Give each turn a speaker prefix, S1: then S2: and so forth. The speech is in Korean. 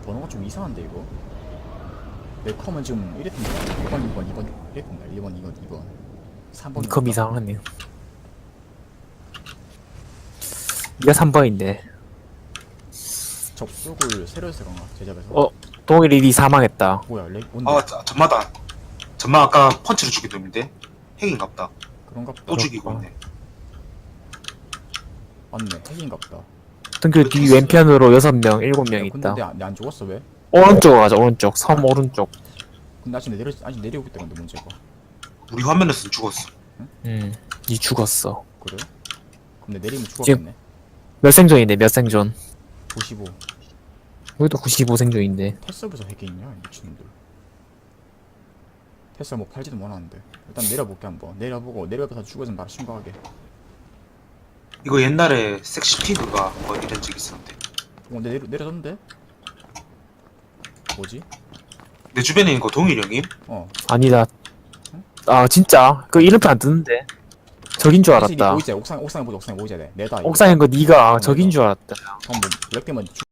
S1: 번호가 좀 이상한데 이거. 내 컴은 지금 이랬던데. 1번 2번 2번 이랬던데. 1번 2번 2번 3번.
S2: 컴 이상하네. 니가 3번인데.
S1: 접속을 새로 해서 그런가 제작에서.
S2: 어, 동일이 니 사망했다.
S1: 뭐야 렉 뭔데?
S3: 아, 전마다. 전마 아까 펀치로 죽인 놈인데? 핵인갑다.
S1: 그런가 보다.
S3: 또 죽이고 있네.
S1: 맞네 핵인갑다.
S2: 등교 뒤 왼편으로 6명, 7명 있다.
S1: 근데 내 안 죽었어 왜?
S2: 오른쪽 가자, 오른쪽. 섬 오른쪽.
S1: 근데 아직 내려오고 있다 근데 문제가.
S3: 우리 화면에서는 죽었어.
S2: 니 죽었어.
S1: 그래? 근데 내리면 죽었겠네.
S2: 몇 생존인데, 몇 생존?
S1: 95.
S2: 여기도 95생존인데.
S1: 테슬부터 핵이 있냐 미친놈들. 테슬 뭐 팔지도 못하는데. 일단 내려볼게 한번. 내려봐서 죽어서 바로 신고하게.
S3: 이거 옛날에 섹시피그가 뭐 이런 적 있었는데.
S1: 근데 내려졌는데? 뭐지?
S3: 내 주변에 있는 거 동일 형님?
S2: 아니다. 아, 진짜? 그 이름표 안 뜨는데. 적인 줄 알았다.
S1: 보이지? 옥상에 보자 옥상에 보이자 돼. 내다.
S2: 옥상인 거 니가 적인 줄 알았다.
S1: 방금 렉 때문에